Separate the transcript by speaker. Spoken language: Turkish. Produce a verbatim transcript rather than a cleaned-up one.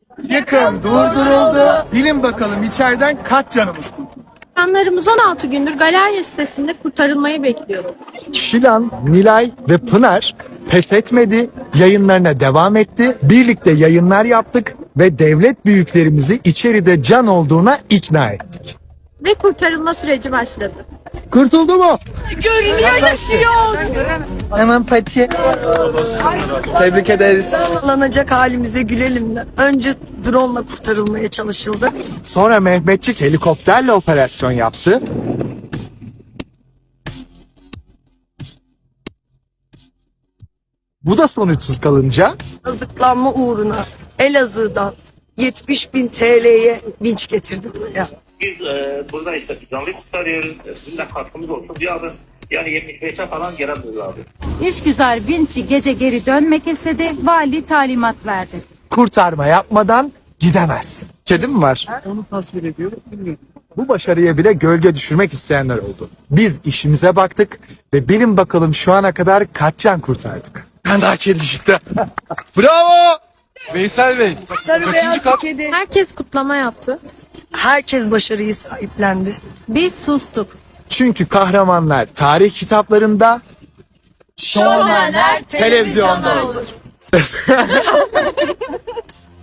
Speaker 1: Yıkım durduruldu. Bilin bakalım içeriden kaç canımız kurtuldu?
Speaker 2: Canlarımız on altı gündür galerya sitesinde kurtarılmayı bekliyor.
Speaker 1: Şilan, Nilay ve Pınar pes etmedi, yayınlarına devam etti. Birlikte yayınlar yaptık ve devlet büyüklerimizi içeride can olduğuna ikna ettik.
Speaker 2: Ve kurtarılma süreci başladı.
Speaker 1: Kurtuldu mu?
Speaker 2: Görünüyor, yaşıyor.
Speaker 3: Hemen patiye
Speaker 1: Tebrik ederiz.
Speaker 3: alınacak halimize gülelim de. Önce drone ile kurtarılmaya çalışıldı.
Speaker 1: Sonra Mehmetçik helikopterle operasyon yaptı. Bu da sonuçsuz kalınca
Speaker 3: Azıklanma uğruna Elazığ'dan yetmiş bin T L'ye vinç getirdi buraya.
Speaker 4: Biz e, burada işte canlı kurtarıyoruz. E, Bizim de katkımız olsun diye abi. Yani yetmiş beşe falan gelebiliriz abi.
Speaker 5: İşgüzar Vinci gece geri dönmek istedi, vali talimat verdi.
Speaker 1: kurtarma yapmadan gidemez. Kedi mi var? Onu tasvir ediyorum. Bu başarıya bile gölge düşürmek isteyenler oldu. Biz işimize baktık ve bilin bakalım şu ana kadar kaç can kurtardık. Ben daha kedi çıktı. Bravo! Veysel Bey, kaçıncı kat?
Speaker 3: Kedi.
Speaker 2: Herkes kutlama yaptı.
Speaker 3: Herkes başarıyı sahiplendi.
Speaker 5: Biz sustuk.
Speaker 1: Çünkü kahramanlar tarih kitaplarında,
Speaker 2: Şovmenler
Speaker 1: televizyonda olur.